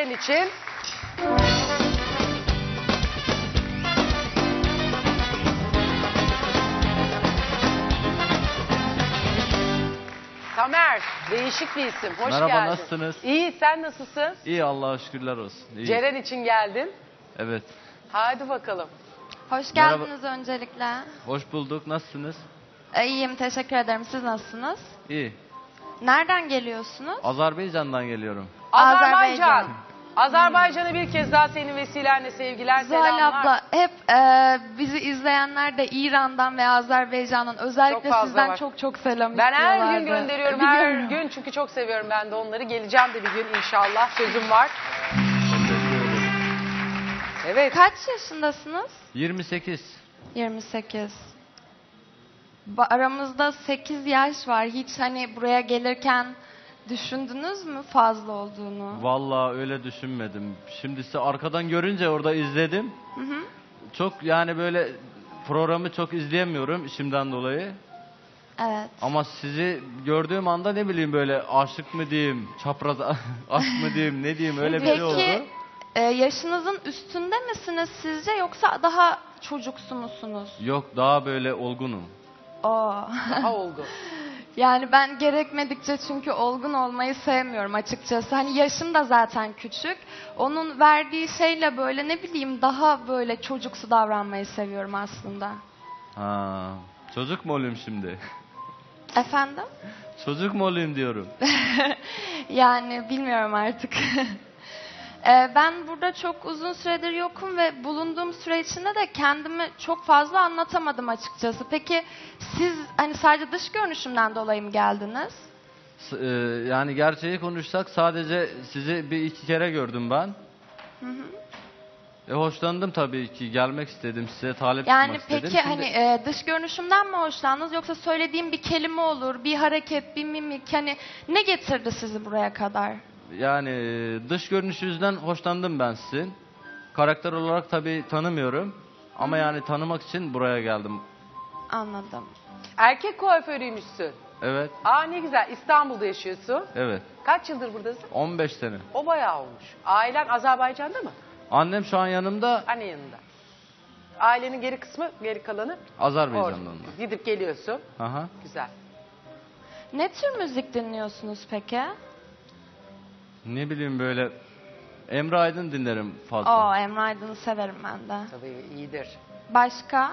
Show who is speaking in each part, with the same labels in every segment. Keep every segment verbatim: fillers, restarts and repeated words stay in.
Speaker 1: Ceren için. Tamer, değişik bir isim. Hoş
Speaker 2: Merhaba,
Speaker 1: geldin.
Speaker 2: nasılsınız?
Speaker 1: İyi, sen nasılsın?
Speaker 2: İyi, Allah'a şükürler olsun. İyi.
Speaker 1: Ceren için geldin.
Speaker 2: Evet.
Speaker 1: Hadi bakalım.
Speaker 3: Hoş
Speaker 2: Merhaba.
Speaker 3: geldiniz öncelikle.
Speaker 2: Hoş bulduk. Nasılsınız?
Speaker 3: Ee, İyiyim, teşekkür ederim. Siz nasılsınız?
Speaker 2: İyi.
Speaker 3: Nereden geliyorsunuz?
Speaker 2: Azerbaycan'dan geliyorum.
Speaker 1: Azerbaycan.
Speaker 3: Azerbaycan.
Speaker 1: Azerbaycan'a bir kez daha senin vesilenle sevgiler,
Speaker 3: Zuhal
Speaker 1: selamlar.
Speaker 3: abla, hep e, bizi izleyenler de İran'dan ve Azerbaycan'dan özellikle
Speaker 1: Çok fazla
Speaker 3: sizden
Speaker 1: var.
Speaker 3: çok çok selam
Speaker 1: Ben her
Speaker 3: istiyorlardı.
Speaker 1: gün gönderiyorum, her
Speaker 3: Biliyorum.
Speaker 1: gün çünkü çok seviyorum ben de onları. Geleceğim de bir gün inşallah, sözüm var. Evet.
Speaker 3: Kaç yaşındasınız?
Speaker 2: yirmi sekiz.
Speaker 3: yirmi sekiz. Ba- Aramızda sekiz yaş var. Hiç hani buraya gelirken düşündünüz mü fazla olduğunu?
Speaker 2: Vallahi öyle düşünmedim. Şimdi size arkadan görünce orada izledim.
Speaker 3: Hı hı.
Speaker 2: Çok yani böyle programı çok izleyemiyorum işimden dolayı.
Speaker 3: Evet.
Speaker 2: Ama sizi gördüğüm anda ne bileyim böyle aşık mı diyeyim, çapraz aşk mı diyeyim, ne diyeyim öyle bir şey oldu.
Speaker 3: Peki e, yaşınızın üstünde misiniz sizce yoksa daha çocuksu musunuz?
Speaker 2: Yok, daha böyle olgunum.
Speaker 3: Oo.
Speaker 1: Daha oldu.
Speaker 3: Yani ben gerekmedikçe çünkü olgun olmayı sevmiyorum açıkçası. Hani yaşım da zaten küçük. Onun verdiği şeyle böyle ne bileyim daha böyle çocuksu davranmayı seviyorum aslında.
Speaker 2: Ha, çocuk mu olayım şimdi?
Speaker 3: Efendim?
Speaker 2: Çocuk mu olayım diyorum.
Speaker 3: Yani bilmiyorum artık. Ee, ben burada çok uzun süredir yokum ve bulunduğum süre içinde de kendimi çok fazla anlatamadım açıkçası. Peki siz hani sadece dış görünüşümden dolayı mı geldiniz?
Speaker 2: S- e, yani gerçeği konuşsak sadece sizi bir iki kere gördüm ben.
Speaker 3: Hı hı.
Speaker 2: E, hoşlandım tabii ki, gelmek istedim, size talip
Speaker 3: Yani
Speaker 2: çıkmak istedim.
Speaker 3: peki
Speaker 2: Şimdi-
Speaker 3: hani e, dış görünüşümden mi hoşlandınız yoksa söylediğim bir kelime olur, bir hareket, bir mimik hani ne getirdi sizi buraya kadar?
Speaker 2: Yani e, dış görünüşünüzden hoşlandım ben sizin. Karakter olarak tabii tanımıyorum. Ama yani tanımak için buraya geldim.
Speaker 3: Anladım.
Speaker 1: Erkek kuaförüymüşsün.
Speaker 2: Evet,
Speaker 1: Aa ne güzel. İstanbul'da yaşıyorsun.
Speaker 2: evet.
Speaker 1: Kaç yıldır buradasın?
Speaker 2: on beş sene.
Speaker 1: O bayağı olmuş. Ailen Azerbaycan'da mı?
Speaker 2: Annem şu an yanımda,
Speaker 1: Anne yanında. Ailenin geri kısmı, geri kalanı
Speaker 2: Azerbaycan'dan.
Speaker 1: orada. Gidip geliyorsun.
Speaker 2: Aha.
Speaker 1: Güzel.
Speaker 3: Ne tür müzik dinliyorsunuz peki?
Speaker 2: Ne bileyim böyle Emre Aydın dinlerim fazla.
Speaker 3: Oo, Emre Aydın'ı severim ben de.
Speaker 1: Tabii iyidir.
Speaker 3: Başka?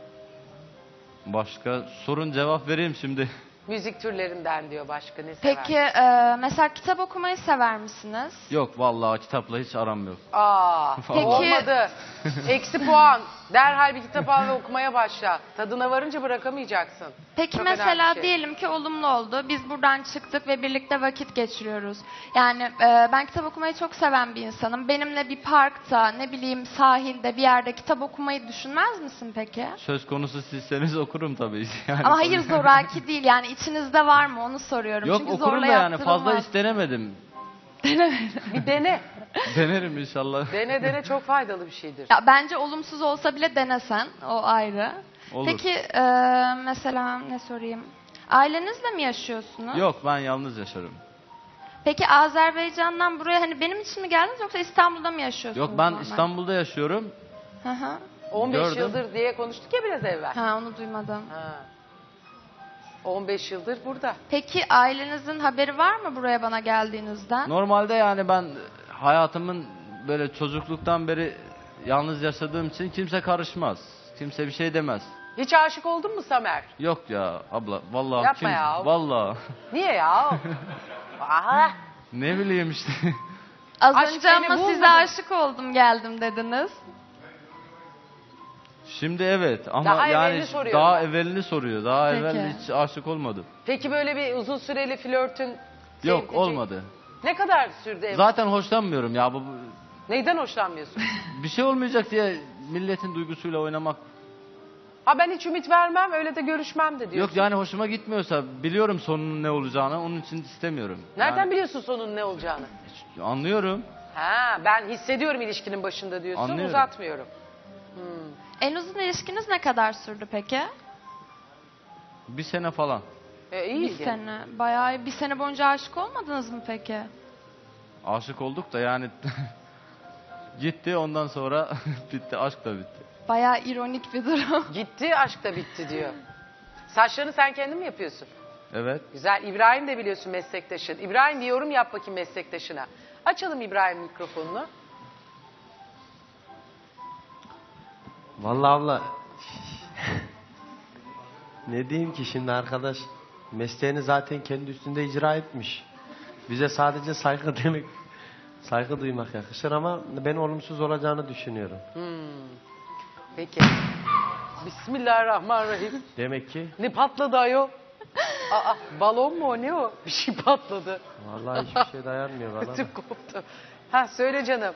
Speaker 2: Başka sorun, cevap vereyim şimdi.
Speaker 1: Müzik türlerinden diyor başka ne
Speaker 3: Peki
Speaker 1: seversin?
Speaker 3: e, mesela kitap okumayı sever misiniz?
Speaker 2: Yok vallahi, kitapla hiç aram yok.
Speaker 1: Aa,
Speaker 2: Peki-
Speaker 1: olmadı. Eksi puan. Derhal bir kitap al ve okumaya başla. Tadına varınca bırakamayacaksın.
Speaker 3: Peki
Speaker 1: Çok önemli
Speaker 3: mesela
Speaker 1: bir şey.
Speaker 3: diyelim ki olumlu oldu. Biz buradan çıktık ve birlikte vakit geçiriyoruz. Yani e, ben kitap okumayı çok seven bir insanım. Benimle bir parkta, ne bileyim sahilde bir yerde kitap okumayı düşünmez misin peki?
Speaker 2: Söz konusu sizseniz okurum tabii. Yani
Speaker 3: Ama hayır zoraki değil yani içinizde var mı onu soruyorum.
Speaker 2: Yok,
Speaker 3: Çünkü
Speaker 2: okurum
Speaker 3: zorla
Speaker 2: da yani fazla
Speaker 3: yaptırılmaz.
Speaker 2: istenemedim.
Speaker 1: Bir dene.
Speaker 2: Denerim inşallah.
Speaker 1: Dene dene çok faydalı bir şeydir.
Speaker 3: Ya bence olumsuz olsa bile denesen o ayrı.
Speaker 2: Olur.
Speaker 3: Peki e, mesela ne sorayım? Ailenizle mi yaşıyorsunuz?
Speaker 2: Yok, ben yalnız yaşarım.
Speaker 3: Peki Azerbaycan'dan buraya hani benim için mi geldiniz yoksa İstanbul'da mı yaşıyorsunuz?
Speaker 2: Yok, ben
Speaker 3: normal?
Speaker 2: İstanbul'da yaşıyorum.
Speaker 3: Hı hı.
Speaker 1: on beş
Speaker 2: Gördüm.
Speaker 1: yıldır diye konuştuk ya biraz evvel.
Speaker 3: Ha onu duymadım.
Speaker 1: Ha. on beş yıldır burada.
Speaker 3: Peki ailenizin haberi var mı buraya bana geldiğinizden?
Speaker 2: Normalde yani ben hayatımın böyle çocukluktan beri yalnız yaşadığım için kimse karışmaz. Kimse bir şey demez.
Speaker 1: Hiç aşık oldun mu Samer?
Speaker 2: Yok ya abla, vallahi
Speaker 1: Yapma
Speaker 2: kim
Speaker 1: ya.
Speaker 2: vallahi
Speaker 1: Niye ya? Aha.
Speaker 2: ne bileyim işte.
Speaker 3: Az
Speaker 1: Aşk
Speaker 3: önce
Speaker 1: beni
Speaker 3: ama size
Speaker 1: bulmadı.
Speaker 3: aşık oldum geldim dediniz.
Speaker 2: Şimdi evet ama
Speaker 1: Daha
Speaker 2: yani
Speaker 1: evvelini soruyorum
Speaker 2: daha
Speaker 1: ben.
Speaker 2: evvelini soruyor. Daha
Speaker 3: Peki.
Speaker 2: evvel hiç aşık olmadım.
Speaker 1: Peki böyle bir uzun süreli flörtün...
Speaker 2: Yok,
Speaker 1: sevdiceğin-
Speaker 2: olmadı.
Speaker 1: Ne kadar sürdü ev?
Speaker 2: Zaten hoşlanmıyorum ya, bu bu-
Speaker 1: Neyden hoşlanmıyorsun?
Speaker 2: bir şey olmayacak diye milletin duygusuyla oynamak.
Speaker 1: Ha ben hiç ümit vermem öyle de görüşmem de diyorsun.
Speaker 2: Yok yani hoşuma gitmiyorsa, biliyorum sonunun ne olacağını, onun için istemiyorum.
Speaker 1: Nereden
Speaker 2: Yani
Speaker 1: biliyorsun sonun ne olacağını?
Speaker 2: anlıyorum.
Speaker 1: Ha ben hissediyorum ilişkinin başında diyorsun
Speaker 2: Anlıyorum.
Speaker 1: uzatmıyorum.
Speaker 3: En uzun ilişkiniz ne kadar sürdü peki?
Speaker 2: Bir sene falan.
Speaker 1: E, iyi
Speaker 3: Bir
Speaker 1: gene.
Speaker 3: sene. Bayağı bir sene boyunca aşık olmadınız mı peki?
Speaker 2: aşık olduk da yani gitti ondan sonra bitti. Aşk da bitti.
Speaker 3: Bayağı ironik bir durum.
Speaker 1: Gitti, aşk da bitti diyor. Saçlarını sen kendin mi yapıyorsun?
Speaker 2: Evet.
Speaker 1: Güzel. İbrahim de biliyorsun meslektaşın. İbrahim bir yorum yap bakayım meslektaşına. Açalım İbrahim mikrofonunu.
Speaker 4: Vallahi abla ne diyeyim ki şimdi arkadaş mesleğini zaten kendi üstünde icra etmiş. Bize sadece saygı demek, saygı duymak yakışır ama ben olumsuz olacağını düşünüyorum.
Speaker 1: Peki. Bismillahirrahmanirrahim.
Speaker 4: Demek ki
Speaker 1: Ne patladı ayol? Aa, balon mu o ne o? Bir şey patladı.
Speaker 4: vallahi hiçbir şey dayanmıyor bana.
Speaker 1: Ötüm koptu. Ha söyle canım.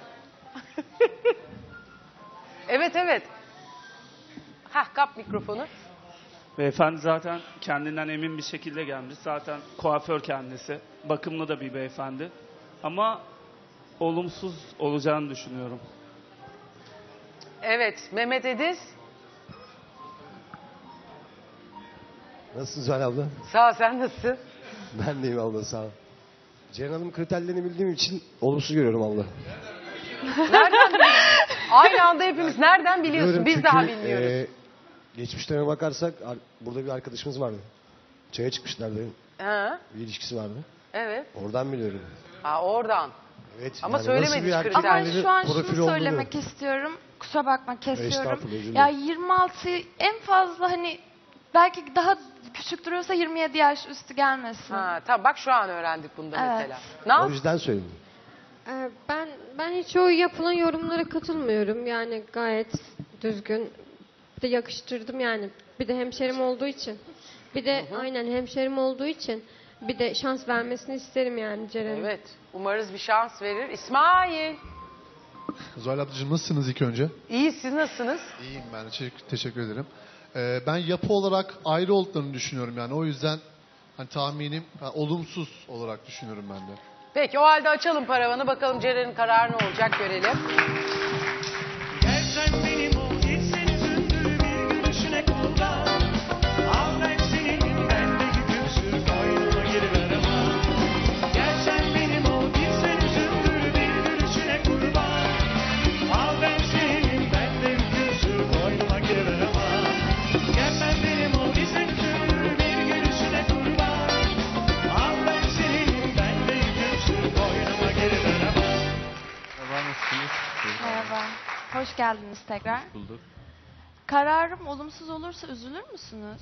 Speaker 1: Evet evet. Ha kap mikrofonu.
Speaker 5: Beyefendi zaten kendinden emin bir şekilde gelmiş. Zaten kuaför kendisi. Bakımlı da bir beyefendi. Ama olumsuz olacağını düşünüyorum.
Speaker 1: Evet Mehmet Ediz.
Speaker 6: Nasılsın Zuhal abla?
Speaker 1: Sağ ol, sen nasılsın?
Speaker 6: Ben deyim abla sağ ol. Ceren Hanım kriterlerini bildiğim için olumsuz görüyorum abla.
Speaker 1: Nereden biliyorsun? Aynı anda hepimiz nereden biliyorsun?
Speaker 6: Biliyorum
Speaker 1: Biz
Speaker 6: çünkü,
Speaker 1: daha bilmiyoruz.
Speaker 6: e, geçmişlerine bakarsak ar- burada bir arkadaşımız vardı. Çaya çıkmışlardı.
Speaker 1: Ha,
Speaker 6: Bir ilişkisi vardı.
Speaker 1: evet.
Speaker 6: Oradan biliyorum.
Speaker 1: ha oradan.
Speaker 6: Evet.
Speaker 1: Ama
Speaker 6: yani
Speaker 1: söylemedi
Speaker 6: nasıl bir
Speaker 1: hiç
Speaker 6: erkek
Speaker 1: kriter.
Speaker 3: Ama
Speaker 6: ailenin
Speaker 3: şu an
Speaker 6: profili
Speaker 3: şunu
Speaker 6: olduğunu-
Speaker 3: söylemek istiyorum. Kusura bakma kesiyorum.
Speaker 6: Estağfurullah, özür
Speaker 3: Ya
Speaker 6: dilerim.
Speaker 3: yirmi altı en fazla hani belki daha küçük duruyorsa yirmi yedi yaş üstü gelmesin.
Speaker 1: Ha, tamam bak şu an öğrendik bunda
Speaker 3: Evet.
Speaker 1: mesela. Ne
Speaker 6: O
Speaker 1: yap?
Speaker 6: yüzden söyledim.
Speaker 7: Ee, Ben ben hiç o yapılan yorumlara katılmıyorum. Yani gayet düzgün. Bir de yakıştırdım yani. Bir de hemşerim olduğu için. Bir de aynen hemşerim olduğu için bir de şans vermesini isterim yani Ceren'in.
Speaker 1: Evet. Umarız bir şans verir. İsmail.
Speaker 8: Zuhal ablacığım nasılsınız ilk önce?
Speaker 1: İyi siz nasılsınız?
Speaker 8: İyiyim ben. Teşekkür, teşekkür ederim. Ee, ben yapı olarak ayrı olduklarını düşünüyorum yani. O yüzden hani tahminim ha, olumsuz olarak düşünüyorum ben de.
Speaker 1: Peki o halde açalım paravanı bakalım Ceren'in kararı ne olacak görelim.
Speaker 9: Gelsen benim o gitsen üzüntülü bir gülüşüne kullan. Al ben senin bendeki küsür koynuma giriver ama. Gelsen benim o gitsen üzüntülü bir gülüşüne kurban. Al ben senin bendeki küsür koynuma giriver ama. Gelsen benim o gitsen üzüntülü bir gülüşüne kurban. Al ben senin bendeki küsür koynuma giriver ama.
Speaker 2: Merhaba, nasılsınız?
Speaker 3: Merhaba. Hoş geldiniz tekrar.
Speaker 2: Bulduk.
Speaker 3: Kararım olumsuz olursa üzülür müsünüz?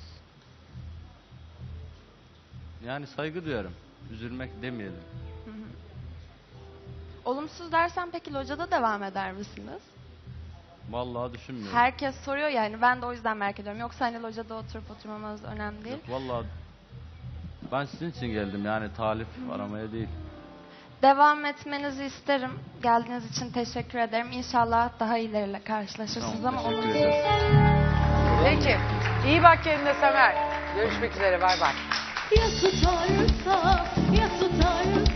Speaker 2: Yani saygı duyarım. Üzülmek demeyelim.
Speaker 3: Olumsuz dersen peki locada devam eder misiniz?
Speaker 2: Vallahi düşünmüyorum.
Speaker 3: Herkes soruyor yani ben de o yüzden merak ediyorum. Yoksa hani locada oturup oturmamanız önemli değil.
Speaker 2: Yok, vallahi ben sizin için geldim yani talip aramaya değil.
Speaker 3: Devam etmenizi isterim. Geldiğiniz için teşekkür ederim. İnşallah daha ileriyle karşılaşırsınız
Speaker 2: Tamam,
Speaker 3: ama
Speaker 2: teşekkür
Speaker 3: olumsuz.
Speaker 2: ederim.
Speaker 1: Peki. İyi bak kendine Semer. Görüşmek üzere bay bay.
Speaker 10: Ya tutarsa, ya tutarsa